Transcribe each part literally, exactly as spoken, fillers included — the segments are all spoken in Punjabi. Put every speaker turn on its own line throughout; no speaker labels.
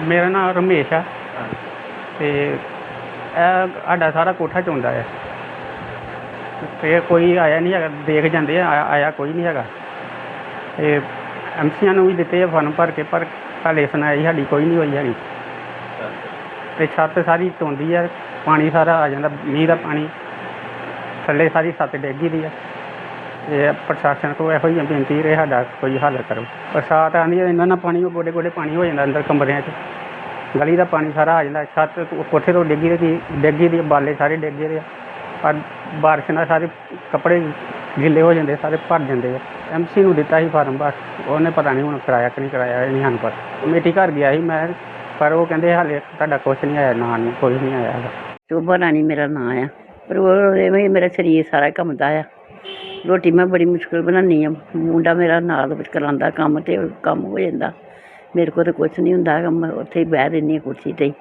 ਮੇਰਾ ਨਾਮ ਰਮੇਸ਼ ਆ ਅਤੇ ਇਹ ਸਾਡਾ ਸਾਰਾ ਕੋਠਾ ਚੋਂਦਾ ਹੈ ਅਤੇ ਕੋਈ ਆਇਆ ਨਹੀਂ ਹੈਗਾ, ਦੇਖ ਜਾਂਦੇ ਆ, ਆਇਆ ਆਇਆ ਕੋਈ ਨਹੀਂ ਹੈਗਾ। ਅਤੇ ਐਮ ਸੀਆਂ ਨੂੰ ਵੀ ਦਿੱਤੇ ਆ ਫਾਰਮ ਭਰ ਕੇ, ਪਰ ਹਾਲੇ ਸੁਣਾਈ ਸਾਡੀ ਕੋਈ ਨਹੀਂ ਹੋਈ ਹੈਗੀ। ਅਤੇ ਛੱਤ ਸਾਰੀ ਚੋਂਦੀ ਹੈ, ਪਾਣੀ ਸਾਰਾ ਆ ਜਾਂਦਾ, ਮੀਂਹ ਦਾ ਪਾਣੀ ਥੱਲੇ ਸਾਰੀ ਛੱਤ ਡਿੱਗੀ ਦੀ ਹੈ। ਅਤੇ ਪ੍ਰਸ਼ਾਸਨ ਕੋਲ ਇਹੋ ਹੀ ਬੇਨਤੀ ਰਹੇ ਸਾਡਾ ਕੋਈ ਹੱਲ ਕਰੋ। ਬਰਸਾਤ ਆਉਂਦੀ ਹੈ ਇੰਨਾ ਨਾ ਪਾਣੀ, ਉਹ ਗੋਡੇ ਗੋਡੇ ਪਾਣੀ ਹੋ ਜਾਂਦਾ ਅੰਦਰ ਕਮਰਿਆਂ 'ਚ, ਗਲੀ ਦਾ ਪਾਣੀ ਸਾਰਾ ਆ ਜਾਂਦਾ। ਛੱਤ ਕੋਠੇ ਤੋਂ ਡਿੱਗੀ ਦੀ ਡਿੱਗੀ ਦੀ ਬਾਲੇ ਸਾਰੇ ਡਿੱਗੇ ਦੇ ਆ, ਪਰ ਬਾਰਿਸ਼ ਨਾਲ ਸਾਰੇ ਕੱਪੜੇ ਗਿੱਲੇ ਹੋ ਜਾਂਦੇ, ਸਾਰੇ ਭਰ ਜਾਂਦੇ ਆ। ਐਮ ਸੀ ਨੂੰ ਦਿੱਤਾ ਸੀ ਫਾਰਮ, ਬਸ ਉਹਨੇ ਪਤਾ ਨਹੀਂ ਹੁਣ ਕਰਾਇਆ ਕਿ ਨਹੀਂ ਕਰਾਇਆ, ਇਹ ਨਹੀਂ ਸਾਨੂੰ ਪਤਾ। ਕਮੇਟੀ ਘਰ ਗਿਆ ਸੀ ਮੈਂ, ਪਰ ਉਹ ਕਹਿੰਦੇ ਹਾਲੇ ਤੁਹਾਡਾ ਕੁਛ ਨਹੀਂ ਆਇਆ, ਨਾਂ ਨਹੀਂ ਕੋਈ ਨਹੀਂ ਆਇਆ ਹੈਗਾ।
ਸ਼ੋਭਾ ਰਾਣੀ ਮੇਰਾ ਨਾਂ ਆ, ਪਰ ਉਹ ਐਵੇਂ ਮੇਰਾ ਸਰੀਰ ਸਾਰਾ ਘੁੰਮਦਾ ਆ। ਰੋਟੀ ਮੈਂ ਬੜੀ ਮੁਸ਼ਕਿਲ ਬਣਾਉਂਦੀ ਹਾਂ, ਮੁੰਡਾ ਮੇਰਾ ਨਾਲ ਵਿੱਚ ਕਰਾਉਂਦਾ ਕੰਮ, ਅਤੇ ਕੰਮ ਹੋ ਜਾਂਦਾ। ਮੇਰੇ ਕੋਲ ਤਾਂ ਕੁਛ ਨਹੀਂ ਹੁੰਦਾ ਹੈਗਾ, ਮੈਂ ਉੱਥੇ ਹੀ ਬਹਿ ਰਹਿੰਦੀ ਹਾਂ ਕੁਰਸੀ 'ਤੇ ਹੀ।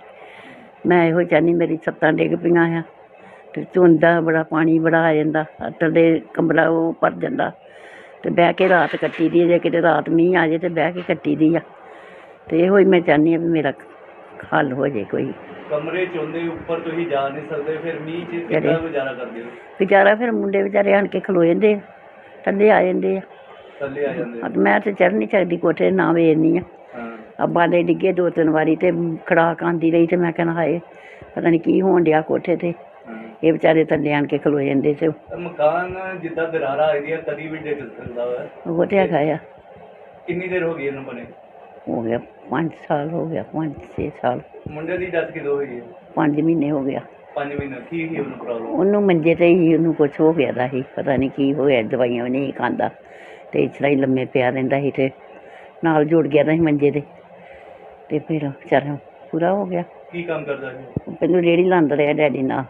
ਮੈਂ ਇਹੋ ਚਾਹੁੰਦੀ, ਮੇਰੀ ਛੱਤਾਂ ਡਿੱਗ ਪਈਆਂ ਆ ਅਤੇ ਧੁੰਦਾ ਬੜਾ, ਪਾਣੀ ਬੜਾ ਆ ਜਾਂਦਾ, ਥੱਲੇ ਕਮਰਾ ਉਹ ਭਰ ਜਾਂਦਾ, ਅਤੇ ਬਹਿ ਕੇ ਰਾਤ ਕੱਟੀ ਦੀ ਹੈ। ਜੇ ਕਿਤੇ ਰਾਤ ਮੀਂਹ ਆ ਜਾਏ ਤਾਂ ਬਹਿ ਕੇ ਕੱਟੀ ਦੀ ਆ। ਅਤੇ ਇਹੋ ਹੀ ਮੈਂ ਚਾਹੁੰਦੀ ਹਾਂ ਵੀ ਮੇਰਾ ਹੱਲ ਹੋ ਜਾਏ ਕੋਈ।
ਕਮਰੇ ਚੋਂਦੇ ਉੱਪਰ ਤੁਸੀਂ ਜਾ ਨਹੀਂ ਸਕਦੇ, ਫਿਰ ਮੀਂਹ 'ਚ ਕਿੱਦਾਂ ਗੁਜ਼ਾਰਾ ਕਰਦੇ ਹੋ?
ਗੁਜ਼ਾਰਾ ਫਿਰ ਮੁੰਡੇ ਵਿਚਾਰੇ ਆਣ ਕੇ ਖਲੋ ਜਾਂਦੇ ਆ, ਥੱਲੇ ਆ ਜਾਂਦੇ ਆ,
ਥੱਲੇ ਆ ਜਾਂਦੇ ਆ।
ਮੈਂ ਤਾਂ ਚੜ੍ਹ ਨਹੀਂ ਸਕਦੀ ਕੋਠੇ, ਨਾ ਵੇਖਦੀ ਆ। ਅੱਬਾ ਦੇ ਡਿੱਗੇ ਦੋ ਤਿੰਨ ਵਾਰੀ, ਅਤੇ ਖੜਾਕ ਆਉਂਦੀ ਰਹੀ, ਅਤੇ ਮੈਂ ਕਹਿਣਾ ਹਾਏ ਪਤਾ ਨਹੀਂ ਕੀ ਹੋਣ ਡਿਆ ਕੋਠੇ 'ਤੇ। ਇਹ ਵਿਚਾਰੇ ਥੱਲੇ ਆਣ ਕੇ ਖਲੋ ਜਾਂਦੇ ਸੀ।
ਮਕਾਨ ਜਿੱਦਾਂ ਦਰਾਰਾਂ ਆਈ ਦੀਆਂ ਕਦੀ ਵੀ ਡਿੱਗ ਸਕਦਾ ਵਾ।
ਉਹ ਤਾਂ ਹੈਗਾ ਆ।
ਕਿੰਨੀ ਦੇਰ ਹੋ ਗਈ ਇਹਨੂੰ ਬਣੇ?
ਹੋ ਗਿਆ ਪੰਜ ਸਾਲ ਹੋ ਗਿਆ, ਪੰਜ ਛੇ ਸਾਲ।
ਮੁੰਡੇ ਦੀ ਡੈਥ ਕਿਦੋਂ ਹੋਈ ਹੈ?
ਪੰਜ ਮਹੀਨੇ ਹੋ ਗਿਆ।
ਪੰਜ ਮਹੀਨੇ ਕੀ ਸੀ ਉਹਨੂੰ ਪ੍ਰੋਬਲਮ?
ਉਹਨੂੰ ਮੰਜੇ 'ਤੇ ਹੀ ਉਹਨੂੰ ਕੁਛ ਹੋ ਗਿਆ ਦਾ ਸੀ, ਪਤਾ ਨਹੀਂ ਕੀ ਹੋਇਆ, ਦਵਾਈਆਂ ਵੀ ਨਹੀਂ ਖਾਂਦਾ, ਅਤੇ ਇਸ ਤਰ੍ਹਾਂ ਹੀ ਲੰਮੇ ਪਿਆ ਰਹਿੰਦਾ ਸੀ, ਅਤੇ ਨਾਲ ਜੁੜ ਗਿਆ ਦਾ ਸੀ ਮੰਜੇ 'ਤੇ, ਅਤੇ ਫਿਰ ਵਿਚਾਰਾ ਪੂਰਾ ਹੋ ਗਿਆ।
ਕੀ ਕੰਮ ਕਰਦਾ ਸੀ?
ਪਹਿਲਾਂ ਰੇਹੜੀ ਲਾਉਂਦਾ ਰਿਹਾ, ਡੈਡੀ ਨਾਲ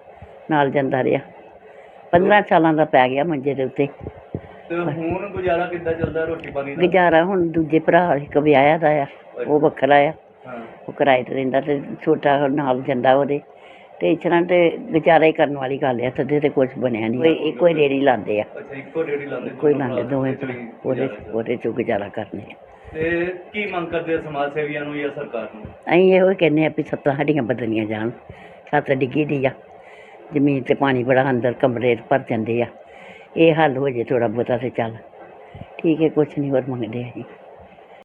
ਨਾਲ ਜਾਂਦਾ ਰਿਹਾ। ਪੰਦਰਾਂ ਸਾਲਾਂ ਦਾ ਪੈ ਗਿਆ ਮੰਜੇ ਦੇ ਉੱਤੇ।
ਤੇ ਹੁਣ ਗੁਜ਼ਾਰਾ ਕਿੱਦਾਂ ਚੱਲਦਾ ਰੋਟੀ ਪਾਣੀ ਦਾ?
ਗੁਜ਼ਾਰਾ ਹੁਣ ਦੂਜੇ ਭਰਾ ਇੱਕ ਵਿਆਹਿਆ ਦਾ ਆ, ਉਹ ਵੱਖਰਾ ਆ,
ਹਾਂ, ਉਹ
ਕਿਰਾਏ 'ਤੇ ਰਹਿੰਦਾ, ਅਤੇ ਛੋਟਾ ਨਾਲ ਜਾਂਦਾ ਉਹਦੇ। ਅਤੇ ਇਸ ਤਰ੍ਹਾਂ ਤੇ ਗੁਜ਼ਾਰਾ ਹੀ ਕਰਨ ਵਾਲੀ ਗੱਲ ਆ, ਥੱਲੇ ਤੇ ਕੁਛ ਬਣਿਆ ਨਹੀਂ। ਇੱਕੋ ਹੀ ਰੇਹੜੀ ਲਾਉਂਦੇ ਆ।
ਅੱਛਾ, ਇੱਕੋ ਰੇਹੜੀ ਲਾਉਂਦੇ?
ਇੱਕੋ ਹੀ ਲਾਉਂਦੇ ਦੋਵੇਂ ਭਰਾ, ਉਹਦੇ ਉਹਦੇ 'ਚੋਂ ਗੁਜ਼ਾਰਾ ਕਰਨੇ ਆ।
ਤੇ ਕੀ ਮੰਗ ਕਰਦੇ ਆ ਸਮਾਜ ਸੇਵੀਆਂ ਨੂੰ ਜਾਂ ਸਰਕਾਰ ਨੂੰ?
ਅਸੀਂ ਇਹੋ ਹੀ ਕਹਿੰਦੇ ਹਾਂ ਵੀ ਛੱਤਾਂ ਸਾਡੀਆਂ ਬਦਲੀਆਂ ਜਾਣ। ਛੱਤ ਡਿੱਗੀ ਦੀ ਆ, ਜ਼ਮੀਨ 'ਤੇ ਪਾਣੀ ਬੜਾ, ਅੰਦਰ ਕਮਰੇ ਭਰ ਜਾਂਦੇ ਆ। ਇਹ ਹੱਲ ਹੋ ਜੇ ਥੋੜ੍ਹਾ ਬਹੁਤਾ, ਤਾਂ ਚੱਲ ਠੀਕ ਹੈ, ਕੁਛ ਨਹੀਂ ਹੋਰ ਮੰਗਦੇ ਅਸੀਂ।